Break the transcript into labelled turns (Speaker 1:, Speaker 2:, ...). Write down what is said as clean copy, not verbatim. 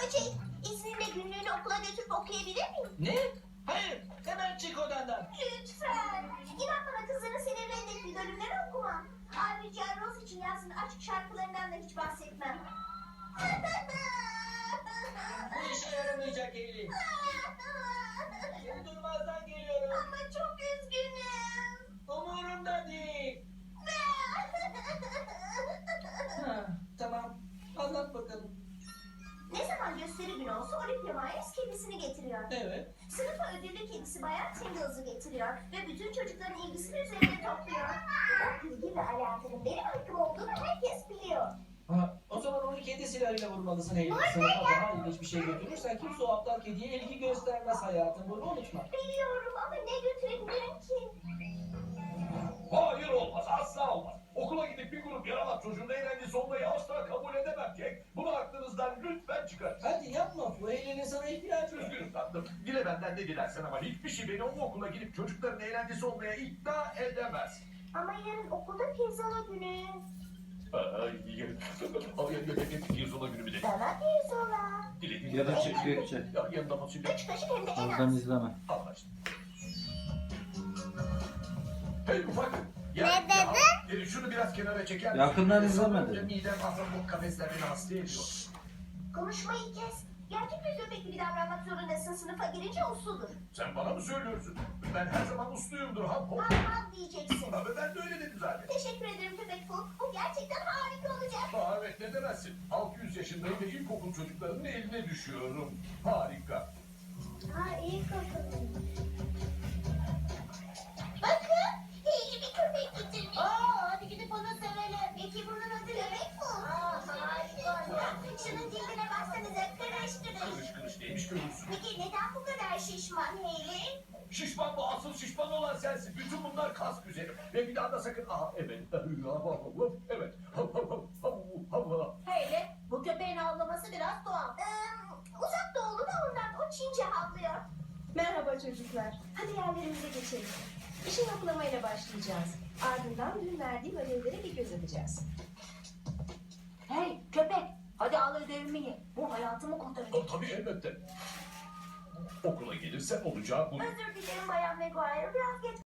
Speaker 1: Böcek, izninle günlüğünü okula götürüp okuyabilir miyim?
Speaker 2: Ne? Hayır, hemen çık odandan.
Speaker 1: Lütfen. İnan bana kızların seni reddettiği bölümleri okumam. Ayrıca Rose için yazdığı aşk şarkılarından da hiç bahsetmem.
Speaker 2: Bu işe yaramayacak Eylül. Seni durmazdan geliyorum.
Speaker 1: Ama çok üzgünüm.
Speaker 2: Umurumda değil. Ha, tamam, anlat bakalım.
Speaker 1: Ne zaman gösteri günü olsa Olympia Myers kedisini getiriyor.
Speaker 2: Evet.
Speaker 1: Sınıfa ödüllü kedisi Bayan Tingles'ı getiriyor ve bütün çocukların ilgisini üzerine topluyor. O ilgi ve alakanın benim hakkım olduğunu herkes biliyor.
Speaker 2: Ha, o zaman onu kedi silahıyla vurmalısın Eylül. Sınıfa daha ilginç bir şey götürürsen kimse o aptal kediye ilgi göstermez hayatım. Bunu unutma.
Speaker 1: Biliyorum ama ne götürebilirim ki?
Speaker 3: Hayır olmaz, asla olmaz. Okula gidip bir grup yaramaz çocuğun eğlencesi olmayı asla kabul edemem Jack. Bunu aklınızdan lütfen çıkarın.
Speaker 2: Hadi yapma, bu Eylül'ün sana ihtiyacı var.
Speaker 3: Üzgünüm tatlım. Dile benden ne dilersen ama hiçbir şey beni o okula gidip çocukların eğlencesi olmaya ikna edemez.
Speaker 1: Ama yarın okulda pirzola günü.
Speaker 3: Pirzola günü bir de.
Speaker 1: Bana pirzola.
Speaker 4: Ya da Gökçe.
Speaker 3: Ya yanında fasulye.
Speaker 1: 3 kaşık hem de en
Speaker 4: Oradan
Speaker 1: az.
Speaker 4: izleme.
Speaker 3: Anlaştık. Hey ufak.
Speaker 1: Ne dedin?
Speaker 3: Şunu biraz kenara çeker misin?
Speaker 4: Yakından izleme
Speaker 3: Sanırım
Speaker 4: dedim.
Speaker 3: Midem ahtapot kafesler beni hasta ediyor.
Speaker 1: Konuşmayı kes. Gerçek bir köpek gibi davranmak zorundasın. Sınıfa girince usludur.
Speaker 3: Sen bana mı söylüyorsun? Ben her zaman usluyumdur hop hop.
Speaker 1: Hav diyeceksin.
Speaker 3: Abi ben de öyle dedim zaten.
Speaker 1: Teşekkür ederim köpek Fuk. Bu gerçekten harika olacak.
Speaker 3: Aa, evet ne demezsin. 600 yaşındayım ve ilkokul çocuklarının eline düşüyorum. Harika.
Speaker 1: Ha iyi kafalı. Bakın. İyi bir köpek getirmiş. Hadi gidip onu sevelim. Peki bunun adı köpek Fuk. Harika. Şunun cildine baksanıza. Kırış kırış.
Speaker 3: Kırış kırış neymiş görürsün.
Speaker 1: Peki neden bu kadar şişman Hayley?
Speaker 3: Şişman bu asıl şişman olan sensin. Bütün bunlar kas güzelim. Ve bir daha da sakın. Aha evet. Evet.
Speaker 1: Hayley, bu köpeğin havlaması biraz doğal. Uzak doğulu da ondan. O Çince havlıyor.
Speaker 5: Merhaba çocuklar. Hadi yerlerimize geçelim. İşe yoklamayla başlayacağız. Ardından dün verdiğim ödevlere bir göz atacağız.
Speaker 1: Hey köpek, hadi al ödevimi ye. Bu hayatımı kurtaracak.
Speaker 3: Tabii elbette. Okula gelirsen olacağı bu.
Speaker 1: Özür dilerim Bayan Maguire, biraz geç